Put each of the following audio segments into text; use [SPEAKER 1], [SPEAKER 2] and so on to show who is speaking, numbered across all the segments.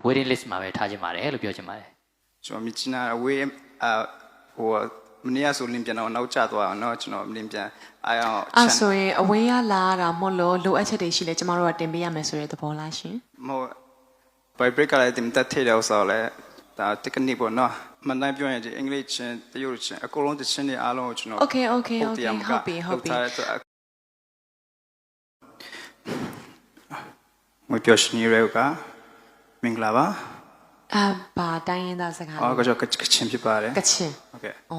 [SPEAKER 1] waiting list မှာပဲထားခြင်းပါတယ်လို့ပြောချင်ပါတယ်
[SPEAKER 2] ကျွန်တော်မြင်နာဝေးဟိုမနေ့ကဆိုလင်းပြန်တော့နောက်ကျသွားအောင်เนาะကျွန်တော်လင်းပြန်အားအောင်
[SPEAKER 3] အဲ့ဆိုရင်အဝေးရလာတာမဟုတ်လို့လိုအပ်ချက်တွေရှိလဲကျမတို့ကတင်ပေးရမယ်ဆိုတဲ့သဘောလားရှင်
[SPEAKER 2] မဟုတ် by break ကလည်းတင်တက်ထဲတော့ဆိုလဲဒါ technique ပေါ့เนาะမန်တိုင်းပြောရင်ဒီအင်္ဂလိပ်ချင်းတရုတ်ချင်းအကုန်လုံးတချင်းတွေအားလုံးကိုကျွန်တော်
[SPEAKER 3] Okay ဟုတ်ပြီမ
[SPEAKER 2] ပြောရှင်ရဲကမင်္ဂလာပါ
[SPEAKER 3] ဘာတိုင်းရင်းသားစကား
[SPEAKER 2] အော်ကချင်းဖြစ်ပါတယ်
[SPEAKER 3] ကချင်း
[SPEAKER 2] ဟုတ်ကဲ့
[SPEAKER 3] ဩ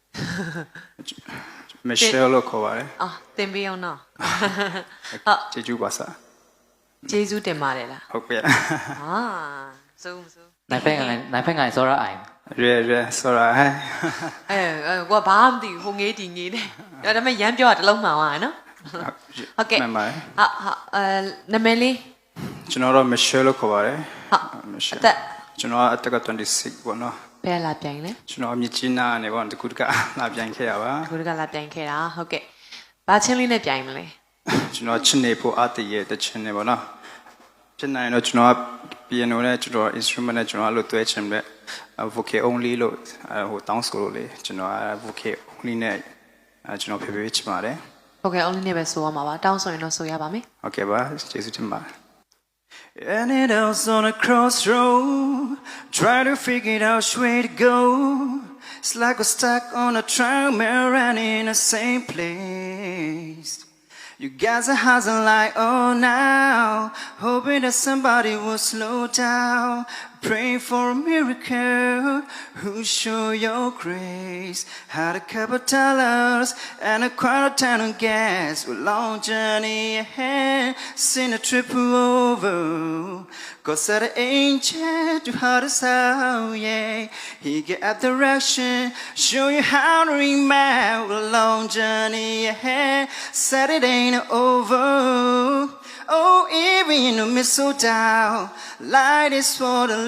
[SPEAKER 2] မရှယ်လို့ခေါ်ပါတယ်
[SPEAKER 3] တင်ပေးအောင်နော်
[SPEAKER 2] ဟုတ်ကျေးဇူးပါဆာ
[SPEAKER 3] ကျေးဇူးတင်ပါတယ်လား
[SPEAKER 2] ဟုတ်ကဲ့
[SPEAKER 3] စိုး
[SPEAKER 1] နိုင်ဖက်ငိုင်စောရအိုင်
[SPEAKER 2] ရဲစောရဟဲ့
[SPEAKER 3] ကိုကဘာမှမသိဘူးဟိုငေးတီငေးတယ်ဒါပေမဲ့ရမ်းပြောတာတစ်လုံးမှန်သွားတယ်နော်ဟုတ်ကဲ့
[SPEAKER 2] မှန်ပါတယ်
[SPEAKER 3] နာမည်လေး
[SPEAKER 2] ကျွန်တော်တော့မရှယ်လို့ခေါ်ပါတယ်
[SPEAKER 3] ဟုတ်မရှယ်
[SPEAKER 2] ကျွန်တော်အသက်က26ပေါ့နော်
[SPEAKER 3] ဘယ်လာပြိုင်လဲ
[SPEAKER 2] ကျွန်တော်မြစ်ကြီးနားနေပေါ့တကူတကလာပြိုင်ခဲ့ရပါ
[SPEAKER 3] တကူတကလာပြိုင်ခဲ့တာဟုတ်ကဲ့ဘာချင်းလေးနဲ့ပြိုင်မလဲ
[SPEAKER 2] ကျွန်တော်ချင်းနေဖို့အတည်ရဲ့တချင်းနေပေါ့နော်ဖြစ်နိုင်တော့ကျွန်တော် piano နဲ့ကျွန်တော် instrument နဲ့ကျွန်တော်အဲ့လိုတွဲချင်တဲ့ vocal only လို့ဟိုတောင်းဆိုလို့လေကျွန်တော် vocal only နဲ့ကျွန်တော်ဖေးချင်ပါတယ်
[SPEAKER 3] vocal only နဲ့ပဲဆိုရမှာပါတောင်းဆိုရင်တော့ဆိုရပါမယ်
[SPEAKER 2] ဟုတ်ကဲ့ပါကျေးဇူးတင်ပါတယ်And it was on a crossroad, trying to figure out which way to go. It's like we're stuck on a treadmill and in the same place. You guys are hustling like oh now, hoping that somebody will slow down. Pray for a miracle, who show your grace. Had a couple dollars and a quarter ton of gas. A long journey ahead, seen a trip over. God said an angel to heart us out, yeah. He gave direction, show you how to remember. A long journey ahead, said it ain't over. Oh, even in the mistletoe, light is for the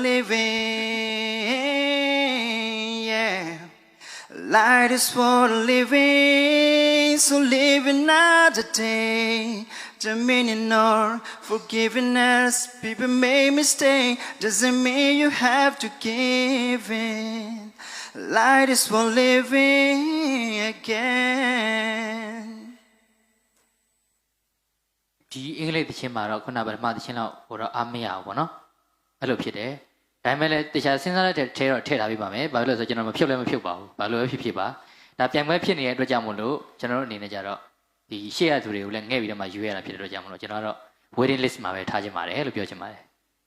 [SPEAKER 2] living, yeah. Light is for the living, so live another day. Dominion or forgiveness, people make mistakes, doesn't mean you have to give in. Light is for living again.
[SPEAKER 1] ဒီအင်္ဂလိပ်သချင်းမှာတော့ခုနကပထမသချင်းတော့ဟိုတော့အားမရဘူးပေါ့နော်အဲ့လိုဖြစ်တယ်ဒါပေမဲ့လည်းတခြားစဉ်းစားတဲ့ထဲတော့ထည့်ထားပေးပါမယ်ဘာလို့လဲဆိုတော့ကျွန်တော်မဖြုတ်လည်းမဖြုတ်ပါဘူးဘာလို့ပဲဖြစ်ပါဒါပြိုင်ပွဲဖြစ်နေတဲ့အတွက်ကြောင့်မို့လို့ကျွန်တော်တို့အနေနဲ့ကြတော့ဒီရှေ့ရသူတွေကိုလည်းငှဲ့ပြီးတော့မှယူရတာဖြစ်တဲ့အတွက်ကြောင့်မို့လို့ကျွန်တော်တော့ waiting list မှာပဲထားခြင်းပါတယ်လို့ပြောချင်ပါတယ်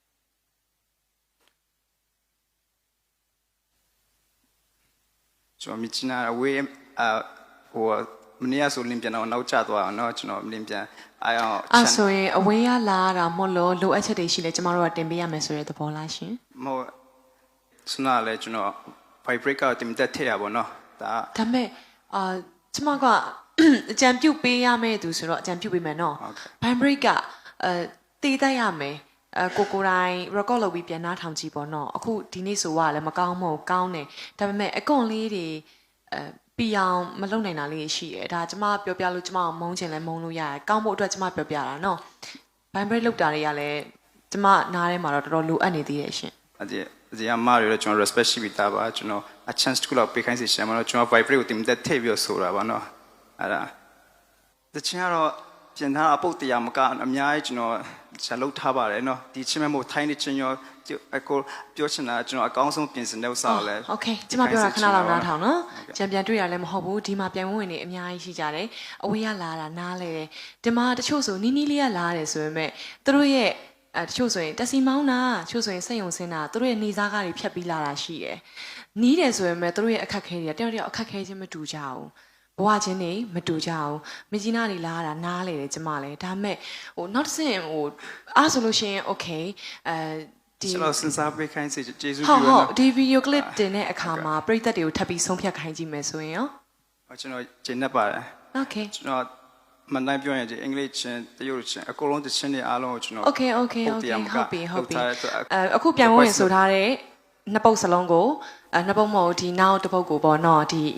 [SPEAKER 2] ကျွန်တော်မြင်နာဝေးဟိုမနေ့ကဆိုလင်းပြန်တော့နောက်ကျသွားအောင်เนาะကျွန်တော်လင်းပြန်အားအောင်
[SPEAKER 3] အဲ့ဆိုရင်အဝေးရလာတာမဟုတ်လို့လိုအပ်ချက်တွေရှိလဲကျမတို့ကတင်ပေးရမယ်ဆိုတဲ့သဘောလားရှင်
[SPEAKER 2] မဟုတ်စနာလဲကျွန်တော် vibrate ကတင်တက်ထည့်ရပါတော့ဒါ
[SPEAKER 3] မဲ့ကျမကအကြံပြုတ်ပေးရမယ်သူဆိုတော့အကြံပြုတ်ပေးမယ်နော် vibrate ကတည်တတ်ရမယ်ကိုတိုင်း record လုပ်ပြီးပြန်နှားထောင်ကြည့်ပေါ့နော်အခုဒီနေ့ဆိုว่าလည်းမကောင်းမဟုတ်ကောင်းတယ်ဒါပေမဲ့အကွန်လေးတွေပြအောင်မလုပ်နိုင်တာလေးရှိတယ်ဒါကျမပြောပြလို့ကျမမုန်းချင်လဲမုန်းလို့ရတယ်ကောင်းဖို့အတွက်ကျမပြောပြတာနော် vibrate လုပ်တာတွေကလည်းကျမနားထဲမှာတော့တော်တော်လိုအပ်နေသေးတယ်ရှင်
[SPEAKER 2] အမားရတော့ကျွန်တော် respect ရှိပြီးသားပါကျွန်တော် a chance တစ်ခုလောက်ပေးခိုင်းစီရှင်မလို့ကျွန်တော် vibrate ကိုတင်တက်ထည့်ပြီးဆိုတာပါနော်အဲ့ဒါတချင်ကတော့ပြင်ထားအပုတ်တရားမကအများကြီးကျွန်တော်ဇာတ်လုပ်ထားပါတယ်နော်ဒီချင်းမဲ့မို့ထိုင်းနေချင်းရောအကိုပြောချင်တာကျွန်တော်အကောင်းဆုံးပြင်ဆင်တဲ့ဥစ္စာကိုလည်း
[SPEAKER 3] Okay ကျမပြောတာခဏလောက်နားထောင်နော်ချန်ပီယံတွေ့ရလည်းမဟုတ်ဘူးဒီမှာပြိုင်ဝင်နေအများကြီးရှိကြတယ်အဝေးရလာတာနားလဲတယ်ဒီမှာတချို့ဆိုနီးနီးလေးကလာတယ်ဆိုပေမဲ့သူတို့ရဲ့တချို့ဆိုရင်တက်စီမောင်းတာတချို့ဆိုရင်စိတ်ယုံစင်းတာသူတို့ရဲ့နေစားကားတွေဖြတ်ပြီးလာတာရှိတယ်နီးတယ်ဆိုပေမဲ့သူတို့ရဲ့အခက်ခဲတွေတယောက်တယောက်အခက်ခဲချင်းမတူကြဘူးဘဝချင်းနေမတူကြအောင်မကြီးနာတွေလာတာနားလေတယ်ကျမလည်းဒါပေမဲ့ဟိုနောက်တစ်ဆင့်ဟိုအားဆိုလို့ရှိရင် okay
[SPEAKER 2] ဒီကျွန်တော်စဉ်းစားပေးခိုင်းစေကျေးဇူးပြု
[SPEAKER 3] ပါနော်ဒီ video clip တင်တဲ့အခါမှာပရိသတ်တွေကိုထပ်ပြီးဆုံးဖြတ်ခိုင်းကြည့်မယ်ဆိုရင်ရော
[SPEAKER 2] ကျွန်တော်ကျင့်တတ်ပါတယ်
[SPEAKER 3] okay
[SPEAKER 2] ကျွန်တော်မန်တိုင်းပြောရင်ဒီအင်္ဂလိပ်ချင်းတရုတ်ချင်းအကုန်လုံးတချင်းတွေအားလုံးကိုကျွန်တော်
[SPEAKER 3] okay ဟုတ်ပြီအခုပြန်ဝင်ဆိုထားတဲ့နှစ်ပုတ်စလုံးကိုနှစ်ပုတ်မဟုတ်ဒီနောက်တစ်ပုတ်ကိုပေါ့နော်ဒီ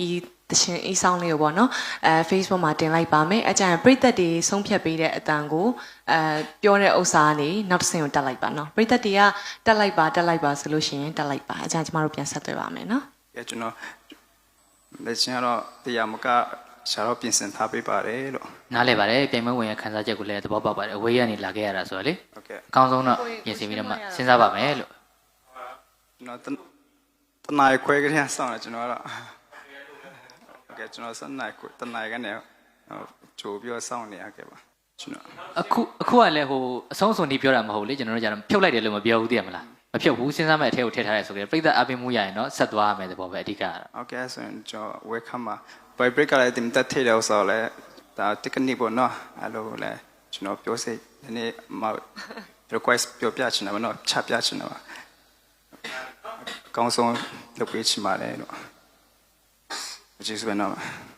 [SPEAKER 3] တရှင်အေးဆောင်လေးကိုပေါ့နော်Facebook မှာတင်လိုက်ပါမယ်အကြံပရိသတ်တွေဆုံးဖြတ်ပေးတဲ့အတန်ကိုပြောတဲ့ဥစ္စာကနေနောက်တစ်ဆင့်ကိုတက်လိုက်ပါနော်ပရိသတ်တွေကတက်လိုက်ပါဆိုလို့ရှိရင်တက်လိုက်ပါအကြံကျမတို့ပြန်ဆက်သွယ်ပါမယ်နော်
[SPEAKER 2] ကျွန်တော်လက်ချင်းကတော့တရားမကရှာတော့ပြင်ဆင်ထားပေးပါတယ်လို့
[SPEAKER 1] နားလဲပါတယ်ပြိုင်ပွဲဝင်ရခန်းစားချက်ကိုလည်းသဘောပေါက်ပါတယ်အဝေးကနေလာခဲ့ရတာဆိုတော့လေ
[SPEAKER 2] ဟုတ်ကဲ့
[SPEAKER 1] အကောင်းဆုံးတော့ပြင်ဆင်ပြီးတော့မှစဉ်းစားပါမယ်လို့
[SPEAKER 2] ကျွန်တော်တနားခွဲကလေးဆောင်းတယ်ကျွန်တော်ကတော့ဟုတ်ကဲ့ကျွန်တော်စနေတနားကနေကြိုပြီးဆောင်းနေရခဲ့ပါကျွန်တော်
[SPEAKER 1] အခုကလည်းဟိုအဆုံးစွန်ဒီပြောတာမဟုတ်လေကျွန်တော်တို့ကျတော့ဖြုတ်လိုက်တယ်လို့မပြောဘူးသိရမလားမဖြုတ်ဘူးစဉ်းစားမဲ့အထဲကိုထည့်ထားရဲဆိုကြတယ်ပြိဿအပင်မှုရရင်တော့ဆက်သွားရမယ်သဘောပဲအဓိကကတော့
[SPEAKER 2] ဟုတ်ကဲ့ဆိုရင်ကျွန်တော် welcome ပါ by break ကလည်းတင်တက်ထိတယ်ဆိုတော့လေဒါ technique ပေါ့နော်အဲ့လိုလေကျွန်တော်ပြောစိဒီနေ့မ request ပြောပြချင်တယ်မနော်ချပြချင်တယ်ပါအကောင်းဆုံးလုပ်ပေးချင်ပါတယ်လို့ကျေးဇူးပဲနော်